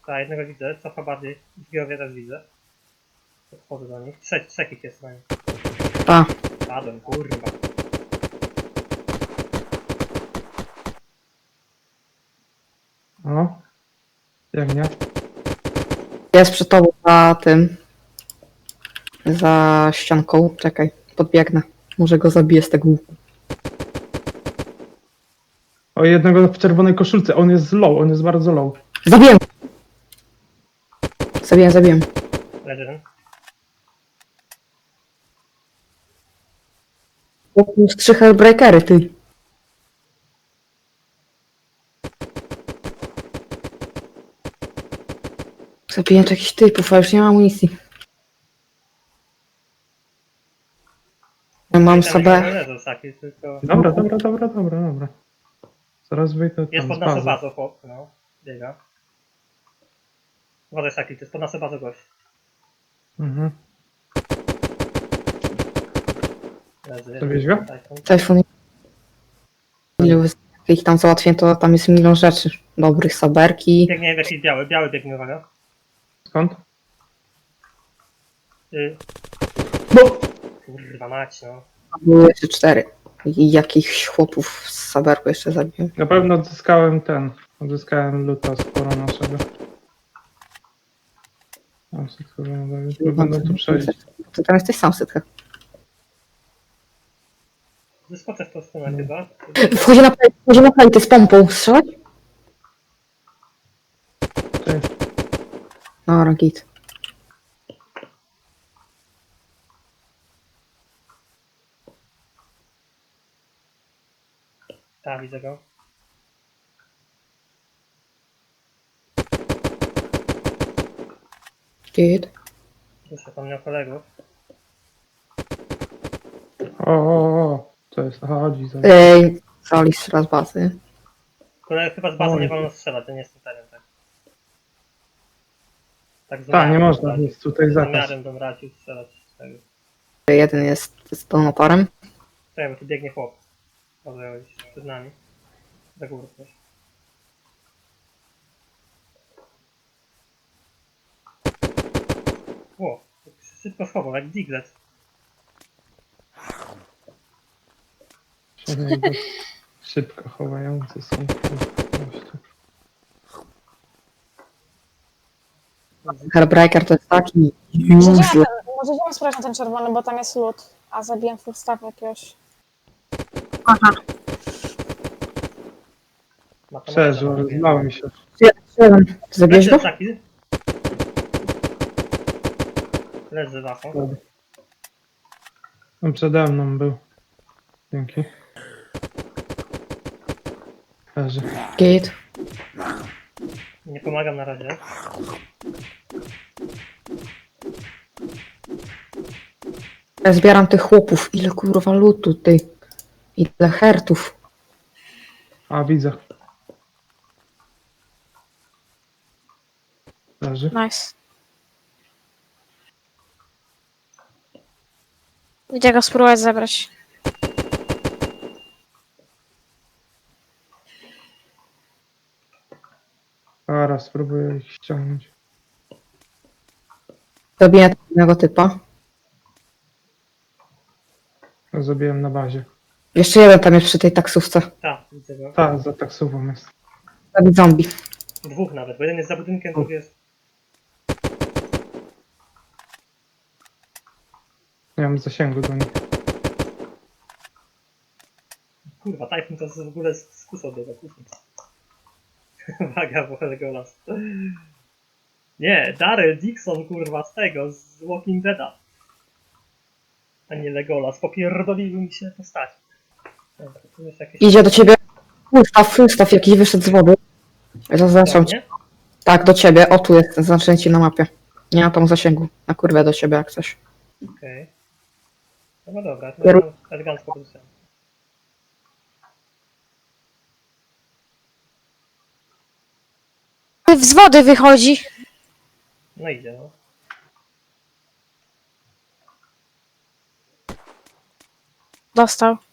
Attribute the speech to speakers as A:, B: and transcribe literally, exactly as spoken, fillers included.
A: Tak, jednego widzę, cofa bardziej. Drugiego też widzę. Podchodzę do nich. Trzech, trzech ich jest na nich.
B: A,
A: Padłem, kurwa.
C: O. Jak nie?
B: jest przed tobą za tym. Za ścianką. Czekaj, podbiegnę. Może go zabiję z tego łuku.
C: O, jednego w czerwonej koszulce. On jest low, on jest bardzo low.
B: Zabiję! Zabiję, zabiję.
A: Leży jeden.
B: O, plus trzy hellbreakery, ty. Zabiję tu jakichś typów, a już nie mam amunicji. Ja mam
A: Tam
B: sobie...
A: nie leżą saki, tylko...
C: Dobra, dobra, dobra, dobra, dobra. Zaraz wyjdę
A: Jest
C: tam
A: pod
C: z
A: naszą
C: bazy.
A: bazą, chłop, no. Biega. Uważaj saki, to jest pod naszą bazą gość.
C: Mhm.
A: Leży.
C: Zabierz go?
A: Tajfun.
B: Telefon. Ile wy- ich tam załatwię, to tam jest milion rzeczy. Dobrych, saberki.
A: Biegnie jakiś biały, biały biegnie, uwaga.
C: Skąd?
A: Y...
C: No!
A: Kurwa mać, no.
B: Były jeszcze cztery. I jakichś chłopów z saberku jeszcze zabiłem.
C: Na pewno odzyskałem ten. Odzyskałem luta sporo naszego. A, sobie chyba będą tu przejść.
B: Ty tam jesteś sam, Sytka.
A: Wyskoczę w tą stronę chyba.
B: Wchodzi na play, wchodzi na play, ty z pompą. Strzelać?
C: Cześć.
B: No, git.
A: Tak, widzę go.
B: Git.
A: Słyszę tam miał kolegów.
C: O, o, o. Co jest? Aha, chodzi za...
B: Ej, Solis raz bazy.
A: Kolegów chyba z bazy
C: Oj.
A: nie wolno strzelać, ja nie jestem pewien, tak. Tak z
C: Tak, nie
A: umiarem
C: można,
A: bym
C: jest tutaj
A: Z
C: zakaz.
A: umiarem bym radził strzelać z tego.
B: Jeden jest z pełnoparem.
A: Czekaj, bo tu biegnie chłop. Może iść przed nami. Za górę też. Ło, szybko schował, jak Diglett.
C: Jego szybko chowający są. goście.
B: Hellbreaker to jest taki
D: Może
B: useless.
D: idziemy, może idziemy sprawdzić na ten czerwony, bo tam jest lód. A zabiłem full staff jakiegoś.
C: Przeżył, rozlał mi się.
B: Jeden. Ty zabierz go?
A: Leży Leży wafą.
C: Dobra. On przede mną był. Dzięki. Leży.
B: Git.
A: Nie pomagam na razie.
B: Ja zbieram tych chłopów. Ile kurwa lutu, ty. Ile hertów.
C: A, widzę. Leży.
D: Nice. Idę go spróbować zebrać.
C: Zaraz spróbuję ich ściągnąć.
B: Zabiję jednego typa.
C: Zabiłem na bazie.
B: Jeszcze jeden tam jest przy tej taksówce.
A: Tak, widzę go.
C: Ta, za taksówą jest.
B: Zabić zombie.
A: Dwóch nawet, bo jeden jest za budynkiem, drugi jest...
C: Nie mam zasięgu do nich.
A: Kurwa, Typhoon to w ogóle z z kusą biega, kusą. Uwaga, bo Legolas. Nie, Daryl Dixon, kurwa, z tego, z Walking Deada. A nie Legolas, popierdoliły mi się postać. Dobra, tu jest jakieś...
B: Idzie do ciebie. Fullstaff, fullstaff jakiś wyszedł z wody. Zaznaczam cię. Tak, do ciebie. O, tu jest zaznaczenie ci na mapie. Nie ma tam zasięgu. Na kurwę do ciebie jak coś.
A: Okej. Okay. No dobra, to
B: Kieru-
A: jest elegancko pozycja.
D: Z wody wychodzi.
A: No idzie, no.
D: Dostał.